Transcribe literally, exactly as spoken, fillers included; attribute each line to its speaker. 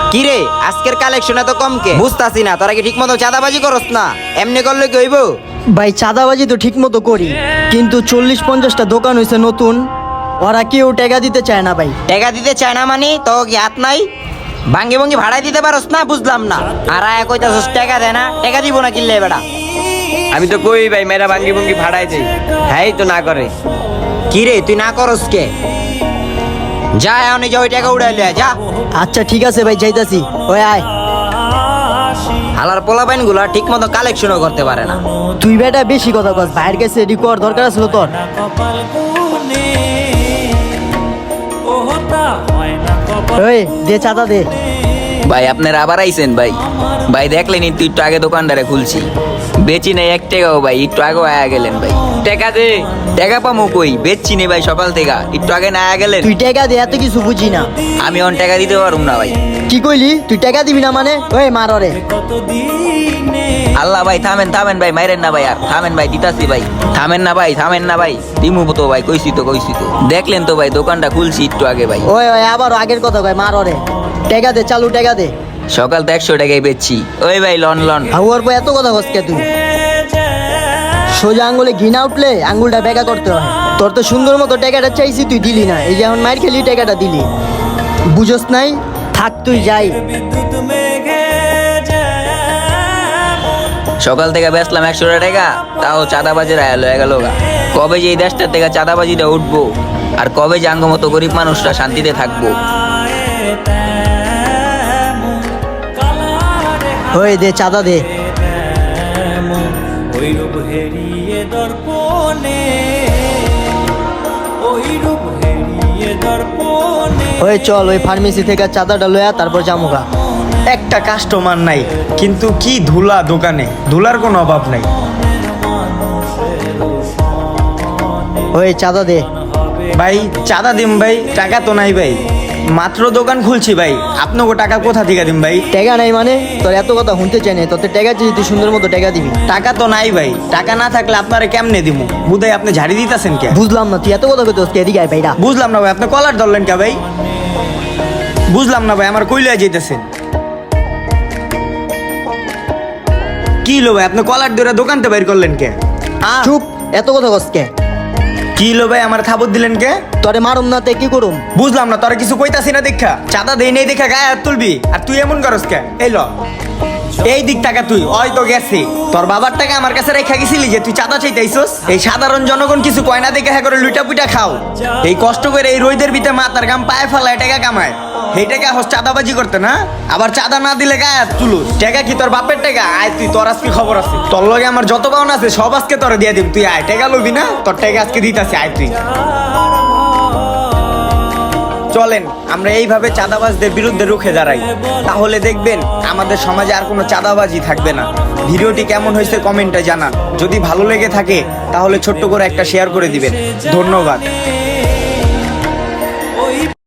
Speaker 1: কি রে আজকের কালেকশন এত কম কে? বুঝতাছি না, তোরা কি ঠিক মতো চাঁদাবাজি করস না? এমনি করলে কি হইব?
Speaker 2: ভাই চাঁদাবাজি তো ঠিক মতো করি, কিন্তু চল্লিশ পঞ্চাশটা দোকান হয়েছে নতুন, ওরা কেউ টাকা দিতে চায় না ভাই।
Speaker 1: টাকা দিতে চায় না মানে তো কি হাত নাই? ভাঙ্গি ভঙ্গি ভাড়াই দিতে পারস না? বুঝলাম না। আর আয়া কইতাছস টাকা দে না, টাকা দিব না কিনলে বেটা।
Speaker 3: আমি তো কই ভাই মেয়েরা ভাঙ্গি ভঙ্গি ভাড়াই দেই, হ্যাঁ তো না করে।
Speaker 1: কি রে তুই না করস কে? যা এখন এই যে ওই টাকা উড়াই লিয়া যা।
Speaker 2: আচ্ছা ঠিক আছে ভাই, যাইতাছি। ওই আয়।
Speaker 1: হালার পোলাপাইন গুলা ঠিক মতো কালেকশনও করতে পারে না।
Speaker 2: তুই বেটা বেশি কথা কস, ভাইয়ের কাছে রিকোয়ার দরকার আছিল তোর। ওই দে চাঁদা দে।
Speaker 4: ভাই আপনারা আবার আইছেন ভাই? ভাই দেখলেন একটু একটু আগে দোকানদারে খুলছি, বেচি নাই এক টাকাও ভাই, একটু আগে আয়া গেলেন ভাই।
Speaker 3: টাকা দে।
Speaker 4: টাকা পামো কই? বেচছি নে ভাই সকাল থেকে, একটু আগে না আয়া গেলেন।
Speaker 2: তুই টাকা দে, এত কিছু বুঝি না।
Speaker 4: আমি অন টাকা দিতে পারুম না ভাই।
Speaker 2: কি কইলি? তুই টাকা দিবি না মানে? ওই মার ওরে।
Speaker 4: আল্লাহ ভাই থামেন থামেন ভাই, মাইরেন না ভাই, আর থামেন ভাই, দিতাছি ভাই, থামেন না ভাই, থামেন না ভাই, দিমু তো ভাই, কইছি তো কইছি তো। দেখলেন তো ভাই দোকানটা খুলছি একটু আগে ভাই।
Speaker 2: ওই ওই আবার আগের কথা কয়, মার ওরে। টাকা দে, চালু টাকা দে।
Speaker 4: সকাল তো একশো টাকায় বেচছি। ওই ভাই লন লন।
Speaker 2: হাউয়ার পর এত কথা কস কে তুই? সোজা আঙ্গুলে ঘিনা উঠলে আঙ্গুলটা বেকা করতে হয়। তোর তো সুন্দর মতো টাকাটা চাইছি, তুই দিলি না। এই যে এখন মাইর খেলি টাকাটা দিলি, বুঝস নাই? থাক তুই যাই।
Speaker 4: সকাল থেকে বেচলাম একশো টাকা, তাও চাঁদাবাজির আয়াল হয়ে গেল গা। কবে যে এই দেশটার থেকে চাঁদাবাজিটা উঠবো, আর কবে যে আঙ্গ মতো গরিব মানুষরা শান্তিতে থাকবো।
Speaker 2: ওই দে চাঁদা দে।
Speaker 5: ওই রূপ হেরিয়ে দর্পণে, ওই রূপ হেরিয়ে দর্পণে।
Speaker 2: ওই চল ওই ফার্মেসি থেকে চাঁদাটা লয়া তারপর জামুগা।
Speaker 6: একটা কাস্টমার নাই, কিন্তু কি ধুলা দোকানে, ধুলার কোনো অভাব নাই।
Speaker 2: ওই চাঁদা দে।
Speaker 6: ভাই চাঁদা দিম ভাই, টাকা তো নাই ভাই, মাত্র দোকান খুলছি ভাই, আপনাকে টাকা কোথা থেকে দিম ভাই?
Speaker 2: টাকা নাই মানে? তোর এত কথা শুনতে চাই না, তোর টাকা চাই, তুই সুন্দর মতো টাকা দিবি।
Speaker 6: টাকা তো নাই ভাই, টাকা না থাকলে আপনারা কেমনে দিমু? বুধাই আপনি ঝাড়ি দিতেছেন কে?
Speaker 2: বুঝলাম না, তুই এত কথা কইতেছিস কে? এদিকে আয় ভাইরা।
Speaker 6: বুঝলাম না ভাই, আপনি কলার ধরলেন কে ভাই? বুঝলাম না ভাই, আমার কইলে যেতেছেন কি লো ভাই? আপনি কলার ধরে দোকানতে বাইর করলেন কে? আ
Speaker 2: চুপ, এত কথা কস কে?
Speaker 6: কি লো ভাই, আমার খাবার দিলেন কে?
Speaker 2: তোরে মারুম না তে কি করুম?
Speaker 6: বুঝলাম না, তোরা কিছু কইতাছি না দেখা, চাঁদা দেই নেই দেখা গায়ে হাত তুলবি, আর তুই এমন করস কে? এই ল এই দিক টাকা, তুই ওই তো গেছি, তোর বাবার টাকা আমার কাছে রেখা গেছিলি যে তুই চাঁদা চাইতাইছস। এই সাধারণ জনগণ কিছু কয়না দেখে হ্যাঁ করে লুইটা পুইটা খাও, এই কষ্ট করে এই রোদের ভিতরে মাথার গাম পায়ে ফেলায় টাকা কামায়, এই টাকা হস চাঁদাবাজি করতে না? আবার চাঁদা না দিলে গায়ে হাত তুলুস। টাকা কি তোর বাপের টাকা? আয় তুই, তোর আজকে খবর আছে, তোর লগে আমার যত পাওনা আছে সব আজকে তোরে দিয়ে দিম। তুই আয়, টাকা লবি না? তোর টাকা আজকে দিতাছি, আয় তুই। চলেন আমরা এইভাবে চাঁদাবাজদের বিরুদ্ধে রুখে দাঁড়াই, তাহলে দেখবেন আমাদের সমাজে আর কোনো চাঁদাবাজি থাকবে না। ভিডিওটি কেমন হয়েছে কমেন্টে জানান, যদি ভালো লেগে থাকে তাহলে ছোট্ট করে একটা শেয়ার করে দিবেন। ধন্যবাদ।